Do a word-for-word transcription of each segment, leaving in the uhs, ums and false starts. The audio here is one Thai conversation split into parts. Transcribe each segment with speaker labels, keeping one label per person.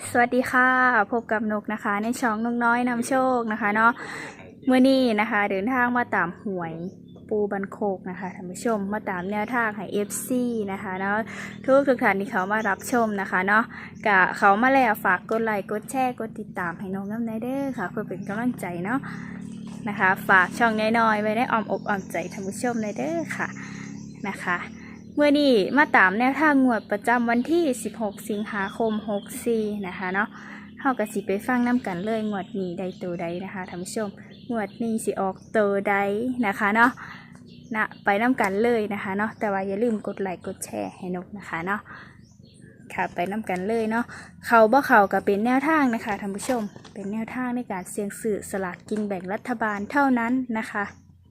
Speaker 1: สวัสดีค่ะพบกับนกนะคะในช่องนกน้อยนำโชคนะคะเนาะเมื่อนี้นะคะเดินทางมาตามหวยปูบันโคกนะคะท่านผู้ชมมาตามแนวทางให้ เอฟ ซี นะคะเนาะทุกทุกท่านที่เขามารับชมนะคะเนาะกะเขามาแล้วฝากกดไลค์กดแชร์กดติดตามให้นกน้ำในเด้อค่ะเพื่อเป็นกำลังใจเนาะนะคะฝากช่องน้อยๆไว้ในอ้อมอกอ้อมใจท่านผู้ชมในเด้อค่ะนะคะเมื่อนี้มาตามแนวทางงวดประจำวันที่สิบหกสิงหาคมหกสี่นะคะเนาะเฮาก็สิไปฟังน้ำกันเลยงวดนี้ได้ตัวใดนะคะท่านผู้ชมงวดนี้สิออกตัวใดนะคะเนาะนะไปน้ำกันเลยนะคะเนาะแต่ว่าอย่าลืมกดไลค์กดแชร์ให้นกนะคะเนาะค่ะไปน้ำกันเลยเนาะเขาบ่เขาก็เป็นแนวทางนะคะท่านผู้ชมเป็นแนวทางในการเสี่ยงซื้อสลากกินแบ่งรัฐบาลเท่านั้นนะคะ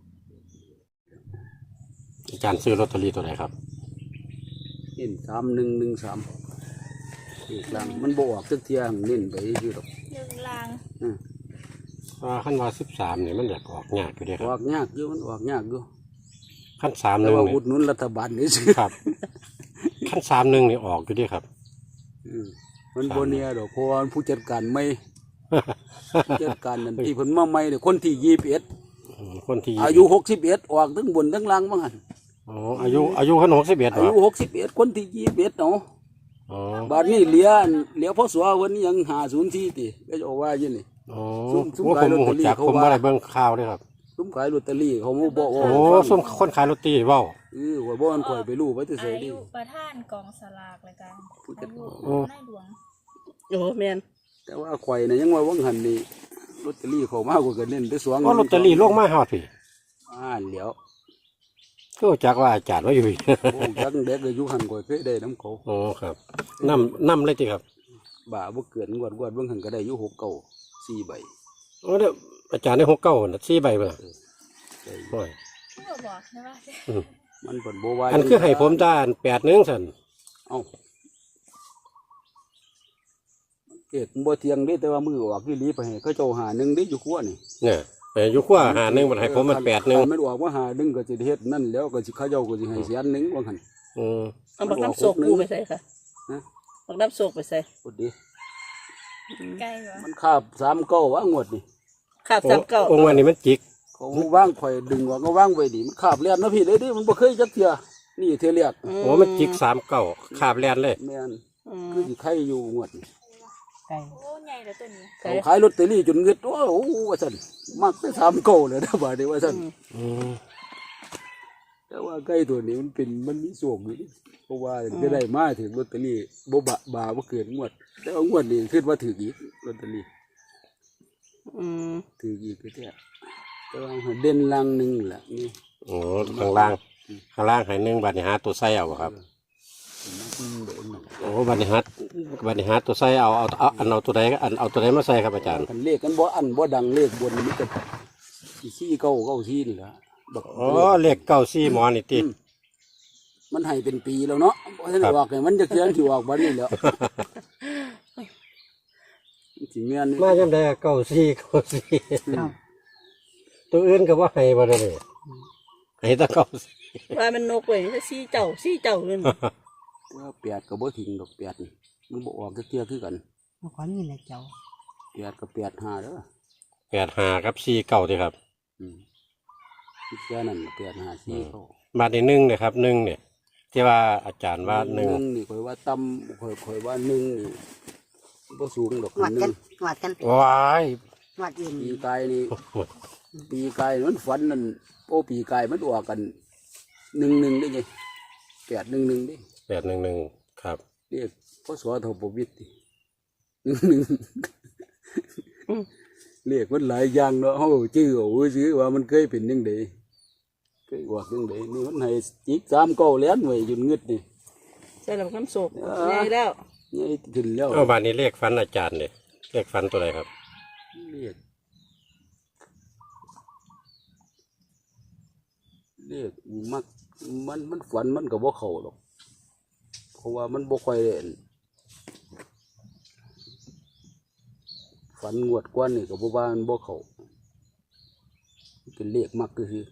Speaker 2: อาจารย์ซื้อลอตเตอรี่ตัวไหนครับ
Speaker 3: เน้นสามหนึ่งหนึ่งสามอีกหลังมันบออกสักเทียงเน้นไปอยู่ดอก
Speaker 1: หนึ่งลาง
Speaker 2: ว่าขั้นว่าสิบสามเนี่ยมันอยากออกยากอยู่เดียค
Speaker 3: อ
Speaker 2: รั
Speaker 3: อบกยากอยู่มันออกยากอยู่
Speaker 2: ขั้นสามห
Speaker 3: แต่
Speaker 2: นึ่ง
Speaker 3: ว่า
Speaker 2: เนี่ย
Speaker 3: อุดหนุนรัฐบาลนี่สิ
Speaker 2: ครับขั้นสามหนึ่งเนี่ยออกอยู่เดียครับ
Speaker 3: อืมมันโบเนียดอกเพราะว่าผู้จัดการไม่ ผู้จัดการนั่นที่เพิ่นมาใหม่เนี่ยคนที่ยี่สิบเอ็ด
Speaker 2: คนที่
Speaker 3: อายุหกสิบเอ็ดออกทั้งบนทั้งล่างบ้างหัน
Speaker 2: อ๋ออายุอายุขั้นหกสิบเอ็ด
Speaker 3: อายุหกสิบเอ็ดคนที่ยี่สิบเอ็ดเนาะ
Speaker 2: อ๋อ
Speaker 3: บ้านนี้เหลียเหลียพ่อสัววันนี้ยังหาศูนย์ที่ติก็จะว่าอย่างนี้
Speaker 2: อ๋อว่าผมหัวจักผมอะไรเบิ่งข่าวด้วยครับ
Speaker 3: ซุ้มขายลอตเตอรี่เขาโม่บอก
Speaker 2: โอ้ซุ้มคนขายลอตเตอรี่ว้าว
Speaker 3: เออว่าบ่มันข่อยไปรู้ไว้แต่เสยดิ
Speaker 1: อายุประธานกองสลากเลยกันอายุนายหลวง
Speaker 4: โอ้แมน
Speaker 3: แต่ว่าข่อยเนี่ยยังว่าวังหันนี่ลอตเตอรี่เขามากกว่ากันเล่นได้สอง
Speaker 2: ก็ลอตเตอรี่ลงมาฮอดพี่
Speaker 3: อ่าเหลียว
Speaker 2: ก็จักว่าอาจารย์ว่าอยู่
Speaker 3: โอ้จักเด็กอายุหันข่อยเคยได้น้ำเขา
Speaker 2: อ๋อครับน้ำน้ำเลยจีครับ
Speaker 3: บ่าบ่เกินกวดกวดเบิ่งหันก็ได้อยู่หกเก้าสี่ใบ
Speaker 2: โอ้เดี๋ยวอาจารย์ได้หกเก้าสี่ใบป่ะโอ้ย
Speaker 1: บอกใช่ไหม
Speaker 3: มันผลโบวาย
Speaker 2: อันคือให้ผมด้านแปดหนึ่งสัน
Speaker 3: เอ้าเกิดบ่เทียงได้แต่ว่ามือออกที่ลีไปให้เขาเจ้าหาหนึ่งได้อยู่ขั้วนี่
Speaker 2: เนี่ยไปอยู่ขั้วหาหนึ่งมันให้ผมมันแปดหนึ่ง
Speaker 3: มันออกว่าหาหนึ่งก็จะเฮ็ดนั่นแล้วก็สิเขาเจ้าก็สิให้เสียหนึ่งว่าหัน
Speaker 2: อืม
Speaker 4: เอาบักน้ำโศกกูไปใส่ค่ะบักน้ำโศกไปใส่
Speaker 3: พอดี
Speaker 1: ใกล้เหรอ
Speaker 3: มันคาบสามเก้าว่างวดนี่
Speaker 4: คาบสามเก้า
Speaker 2: องค์วันนี้มันจิก
Speaker 3: เขาว่างข่อยดึงว่าก็ว่างไว้ดิมันคาบเลียนนะพี่เลยดิมันบ่เคยจักเทื่อนี่เทื่อเรียก
Speaker 2: โอ้มันจิกสามเก้าขาบแลนเลย
Speaker 3: แม่นคือสิไข่อยู่งวด
Speaker 1: ไก่โอ้ใหญ่เลยตัวนี้
Speaker 3: เขาขายลอตเตอรี่จนเงิดโอ้โหว่าซั่นมักได้สามเก้าเลยนะบาดนี้ว่าซั่นแต่ว่าไก่ตัวนี้มันเป็นมันมีโชคอยู่เพราะว่าจะได้มาถึงลอตเตอรี่บ่บะบาบ่เกินงวดแต่ว่างวดนี้คิดว่าถืออีกลอตเตอรี่
Speaker 4: อืม
Speaker 3: ถืออีกคือแท้แต่ว่าเด่นลังหนึ่งแหละนี่
Speaker 2: โอ้ข้างล่างข้างล่างให้หนึ่งบัตรหาตัวไส้เอาครับโอ้บัตรหาบัตรหาตัวไส้เอาเอาเอาอันเอาตัวใดอันเอาตัวใดมาใส่ครับอาจารย์
Speaker 3: เลขกันบ่อันบ่ดังเลขบนมันจะสี่เก้าเก้าสี่นี่แหละ
Speaker 2: อ๋อเลขเก้าสี่หมอนี่ติ
Speaker 3: มันให้เป็นปีแล้วเนาะเพราะฉะนั้นว่าไงมันจะเขียนที่ออกบัดนี้แล้วสิเมียน
Speaker 2: มาจำได้เก้าสี่เก้าสี่ตัวอื่นก็ว่าให้บ่ได้เลยให้ตะเก้า
Speaker 4: ว่ามันนกเลยจะซี่เจ้าซี่เจ้าเลย
Speaker 3: ว่าแปดกับบ่ทิ้งดอกแปดนี่มันบ่ออกเกี่ยวคือกัน
Speaker 4: มันก้อนนี่แหละเจ้า
Speaker 3: แปดกับแปดห้าเด้อ
Speaker 2: แปดห้ากับสี่เก้าดีครับ
Speaker 3: อืมแค่นั้นแปดห้าสี่เก้า
Speaker 2: บาทที่หนึ่งเนี่ยครับหนึ่งเนี่ยที่ว่าอาจารย์ว่าหนึ่ง
Speaker 3: นี่คอยว่าต่ำคอยคอยว่าหนึ่งนี่บ่สูงดอก
Speaker 4: หวัดกันหวัดกัน
Speaker 2: ว้าย
Speaker 4: หวัดอื่น
Speaker 3: ปีกายนี่ปีกายมันฝันนั่นโอ้ปีกายมันออกกันหนึ่งหนึ่งได้ไงแปดหนึ่งหนึ่งดิ
Speaker 2: แปดหนึ่งหนึ่งครับ
Speaker 3: เรียกพ่อสวทบวิทย์หนึ่งหนึ่งเรียกมันหลายอย่างเนาะเขาชื่อโอ้ยชื่อว่ามันเคยเป็นยังไงเคยว่ายังไงนี่มันให้จิกสามเก้าเลี้ยนไว้จนเงึดนี่
Speaker 4: ใช่แล้วน้ำโศกใหญ่แล้ว
Speaker 3: ใหญ่ขึ้นแล้ว
Speaker 2: เอาบานนี้เลขฟันอาจารย์เนี่ยเลขฟันตัวไหนครับ
Speaker 3: เรียกเรียกมักมันมันฝันมันกับว่าเขาหรอกเพราะว่ามันบ่ค่อยเล่นฝันงวดกว่านี่กับบ่ว่ามันบ่เขาเป็นเลขมักก็คือ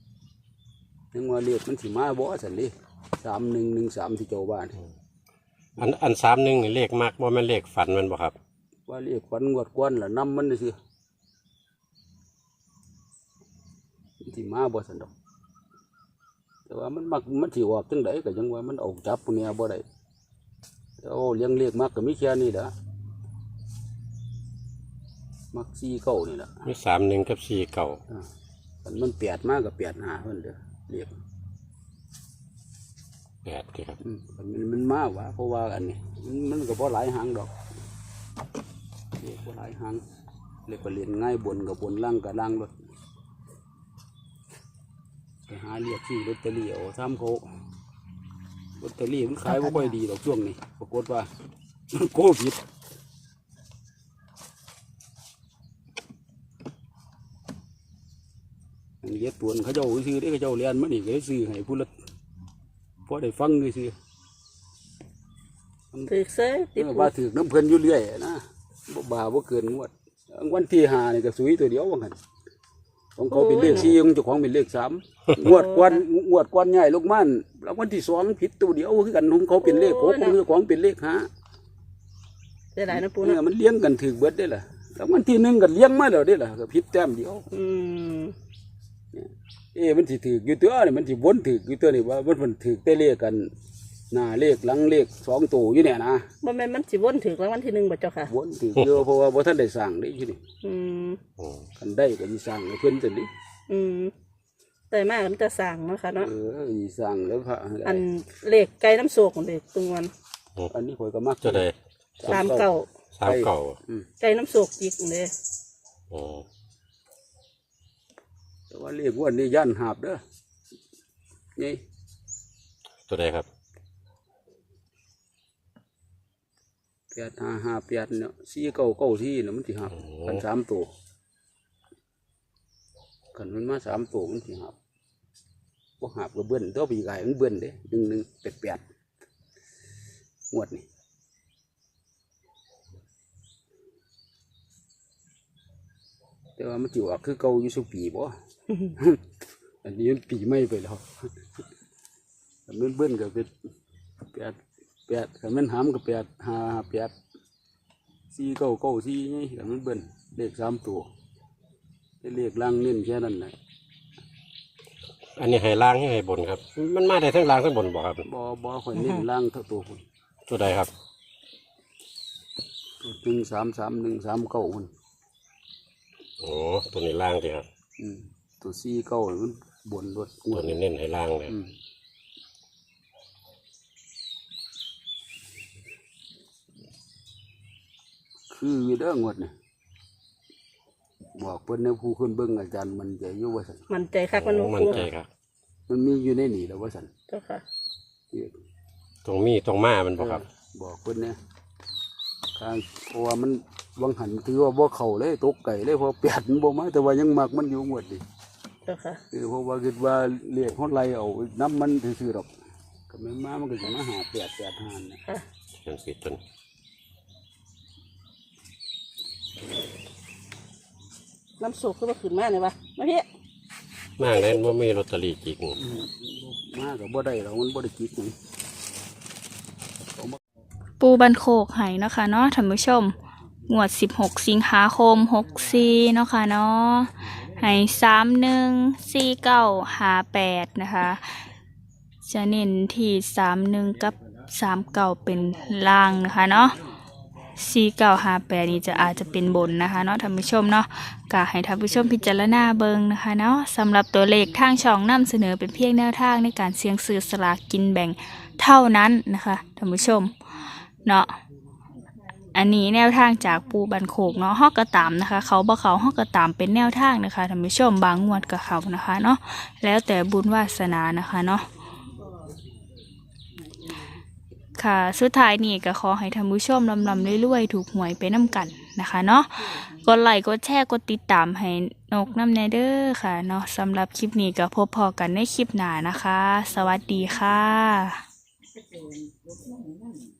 Speaker 3: ยังว่าเลขมันสิมาบ่สันเลยสามหนึ่งหนึ่งสามที่เจ้าบ้าน
Speaker 2: อันอันสามหนึ่งนี่เลขมากบ่แม่นเลขฝันแมันบ่ครับ
Speaker 3: ว่าเรียกขวัญงวดกวนล่ะนำมันซื่อที่มาบ่สันดอกแต่ว่ามันมักมันสิออกจังไดก็ยังว่ามันออกจับพวกเนี้ยบ่ได้แต่โอ้เลี้ยงเรียกมักก็มีแค่นี้ล่ะมักสี่เก้านี่ล่ะ
Speaker 2: มีสามหนึ่งกับสี่เก่า
Speaker 3: อ่าคันมันแปดมากกับแปดห้าเพิ่นเด้อเรียก
Speaker 2: แปดที่ครับ
Speaker 3: อืมคันมันมันมากว่ะเพราะว่าอันนี้มันมันก็บ่หลายหางดอกเรียกบ่หลายหางเรียกว่าเรียนง่ายบนกับบนล่างกับล่างรถไปหาเรียกที่ลอตเตอรี่เอาทำเขาลอตเตอรี่มันขายไม่ค่อยดีดอกช่วงนี้ปรากฏว่า โควิดอันนี้ตัวเขาเจ้าซื้อได้เขาเจ้าเรียนมานี่ก็ได้ซื้อให้ผู้ละพอได้ฟังด้วยซื้อ
Speaker 4: ถือเซ้ติ
Speaker 3: เออ
Speaker 4: ปู
Speaker 3: ว่าถือน้ำเพลินอยู่เรื่อยนะบ่บาบ่เกินงวดวันที่ห้านี่ก็สุยตัวเดียวว่างั้นของเขาเป็นเลขสี่ของเจ้าของเป็นเลขสามงวดกวนงวดกวนใหญ่ลูกมันแล้ววันที่สองผิดตัวเดียวคือกันของเขาเป็นเลขหกของเจ้าของเป็นเลขห้า
Speaker 4: ได้หลายนะปู
Speaker 3: เนี่
Speaker 4: เนาะ
Speaker 3: ยมันเลี้ยงกันถือเบิดได้ล่ะแล้ววันที่หนึ่งก็เลี้ยงมาแล้วได้ล่ะก็ผิดแต้มเดียว
Speaker 4: อืม
Speaker 3: เอ๊ะมันสิถืออยู่ตัวนี่มันสิวนถืออยู่ตัวนี่ว่ามันมันถือแต่เลขกันหน้าเลขหลังเลขสองตัวอยู่เนี่ยนะ
Speaker 4: บ่แม่นมันสิวนถึกรางวัลที่หนึ่งบ่เจ้าค่ะ
Speaker 3: วนถือเยอะเพราะว่าบ่ท่านได้สั่งได้ที่นี่
Speaker 4: อืม
Speaker 2: โอ้
Speaker 3: กันได้ก็สิสั่งให้เพิ่นจังนี้
Speaker 4: อืมแต่มากมันจะสั่งเนาะค่ะเนาะ
Speaker 3: เออสิสั่งแล้วพระ
Speaker 4: อันเลขไก่น้ำโศกของเด็กตรงวัน
Speaker 3: อันนี้ข่อยก็มัก
Speaker 2: จะได้
Speaker 4: สามเก่า
Speaker 2: สามเก่า
Speaker 3: อืม
Speaker 4: ไก่น้ำโศกจิกเลย
Speaker 2: โอ้
Speaker 3: แต่ว่าเลขงวดนี้ย่านหาบเด้อนี่
Speaker 2: ตัวใดครับ
Speaker 3: แปดห้าห้าแปดเนี่ยสี่เก้าเก้าที่เนี่ยมันสิหับกันสามตัวกันมันมาสามตัวมันสิหับบ่หับก็เบิ้นตัวปีกายมันเบิ้นเด้หนึ่งหนึ่งแปดแปดงวดนี่แต่ว่ามันจิออกคือเก่าอยู่สุปีบ่ อันนี้มันปีไม่ไปแล้วแต่มันเบิ้นก็เป็นแปดแปดแต่มันหามก็แปดห้าแปดสี่เก้าเก้าสี่นี่แต่มันเบิ้นเลขสามตัวแต่เลขล่างเน้นแค่นั้นแหละ
Speaker 2: อันนี้ให้ล่างให้ให้บนครับ มันมาได้ทั้งล่างทั้งบนบ่ครับ
Speaker 3: บ่บ่ค่อยเน้นล่างเท่าตัวคน
Speaker 2: ตัวใดครับ
Speaker 3: ตัวหนึ่งสามสามหนึ่งสามเก้าคน
Speaker 2: โอ้ตัวนี้ล่างสิครับ
Speaker 3: อืมตัวสี่เก้ามันบนรถง
Speaker 2: ตัว
Speaker 3: วด
Speaker 2: นี้เน้นให้ล่างเลย
Speaker 3: อืมคืออยู่เด้องวดนี่บอกเพิ่นในผู้ขึ้นเบิ่งอาจารย์มันใจอยู่ว่าซั่น
Speaker 4: มันใจคักมัน
Speaker 2: โอ้
Speaker 4: บ่
Speaker 2: มัน
Speaker 4: ปู
Speaker 2: ใจครับ
Speaker 3: มันมีอยู่ในนี่แล้วว่าซั่น
Speaker 4: เจ้าค่ะ
Speaker 2: ตรงมีตรงมามันบ่ครับ
Speaker 3: เออบอกเพิ่นเนี่ยทางเพราะว่ามันวังหันถือว่าบ่เข้าเลยตกไก่เลยเพราะแปดมันบ่มาแต่ว่ายังมักมันอยู่งวดนี่
Speaker 4: เจ้าค่ะ
Speaker 3: คือเพราะว่าคิดว่าเรียกฮอดไล่เอาน้ำมันซื่อๆดอกก็แม่นมามันก็จะมาหาแปดแปดหานนะ
Speaker 4: ค่ะ
Speaker 2: มันปิดจน
Speaker 4: น้ำโศกคือว่าขึ้นมาเนี่ยวะมาพี่
Speaker 2: มากเลยว่ามีลอตเตอรี่จริง
Speaker 3: อืมมาก็บ่ได้หรอกมันบ่ได้กินหยัง
Speaker 1: ปูบันโคกไห้เนาะค่ะเนาะท่านผู้ชมงวดสิบหกสิงหาคมหกสี่เนาะค่ะเนาะให้สามหนึ่งสี่เก้าห้าแปดนะคะจะเน้นที่สามหนึ่งกับสามเก้าเป็นล่างนะคะเนาะสี่เก้าห้าแปดนี่จะอาจจะเป็นบนนะคะเนาะท่านผู้ชมเนาะก็ให้ท่านผู้ชมพิจารณาเบิ่งนะคะเนาะสำหรับตัวเลขทางช่องนำเสนอเป็นเพียงแนวทางในการเสี่ยงซื้อสลากกินแบ่งเท่านั้นนะคะท่านผู้ชมเนาะอันนี้แนวทางจากปูบันโขกเนาะฮอกกระตามนะคะเขาบ่เขาฮอกกระตามเป็นแนวทางนะคะท่านผู้ชมบางงวดกับเขานะคะเนาะแล้วแต่บุญวาสนานะคะเนาะค่ะสุดท้ายนี่ก็ขอให้ท่านผู้ชมลำลำรวยๆถูกหวยไปน้ำกันนะคะเนาะกดไลค์กดแชร์กดติดตามให้นกน้ำแนเดอร์ค่ะเนาะสำหรับคลิปนี้ก็พบพอกันในคลิปหน้านะคะ สวัสดีค่ะ